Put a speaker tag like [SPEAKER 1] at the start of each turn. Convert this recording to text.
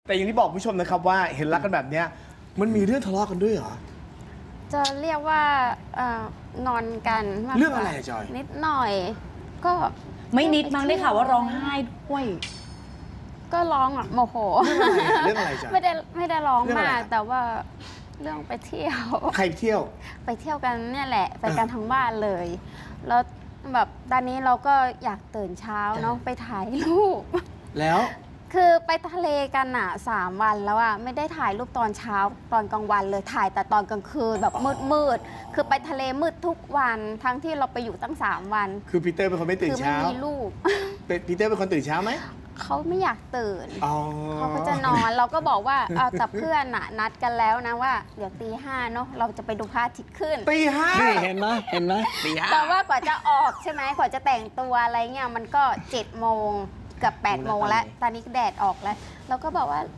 [SPEAKER 1] แต่อย่างที่บอกผู้ชมนะครับว่าเห็นรักกันแบบเนี้ยมันมีเรื่องทะเลาะกันด้วยเหรอ
[SPEAKER 2] จะเรียกว่านอนกันมากกว่า
[SPEAKER 1] เรื่องอะไรอะจอย
[SPEAKER 2] นิดหน่อย ก็
[SPEAKER 3] ไม่นิดมั้งได้ข่าวว่าร้องไห้ด้วย
[SPEAKER 2] ก็ร้องอ่ะโมโห
[SPEAKER 1] เรื่องอะไรจ๊ะ
[SPEAKER 2] ไม่ได้ร้อง
[SPEAKER 1] เรื่องอะไร
[SPEAKER 2] มาก
[SPEAKER 1] ครับ
[SPEAKER 2] แต่ว่าเรื่องไปเที่ยว
[SPEAKER 1] ใครเที่ยว
[SPEAKER 2] ไปเที่ยวกันเนี่ยแหละไปกัน
[SPEAKER 1] อ่า
[SPEAKER 2] ทั้งบ้านเลย แล้วแบบตอนนี้เราก็อยากตื่นเช้าเนาะไปถ่ายรูป
[SPEAKER 1] แล้ว
[SPEAKER 2] คือไปทะเลกันอ่ะ3 วันแล้วอ่ะไม่ได้ถ่ายรูปตอนเช้าตอนกลางวันเลยถ่ายแต่ตอนกลางคืนแบบมืดคือไปทะเลมืดทุกวันทั้งที่เราไปอยู่ตั้ง3 วัน
[SPEAKER 1] คือปีเตอร์เป็นคนไม่ตื่น
[SPEAKER 2] คือไม่
[SPEAKER 1] เช้า
[SPEAKER 2] มีลูก
[SPEAKER 1] ปีเตอร์เป็นคนตื่นเช้าไหม
[SPEAKER 2] เขาไม่อยากตื่น
[SPEAKER 1] อ๋อ
[SPEAKER 2] เขาก็จะนอนเราก็บอกว่าเอาแต่เพื่อนน่ะนัดกันแล้วนะว่าเดี๋ยวตี 5เนาะเราจะไปดูพระอาทิตย์ขึ้น
[SPEAKER 1] ตีห้า
[SPEAKER 4] นี่เห็นไหมเห็นไหม
[SPEAKER 1] ตีห้า
[SPEAKER 2] แต่ว่ากว่าจะออกใช่ไหมกว่าจะแต่งตัวอะไรเงี้ยมันก็7 โมงเกับ8 โมงแล้วตอนนี้แดดออกแล้วเราก็บอกว่า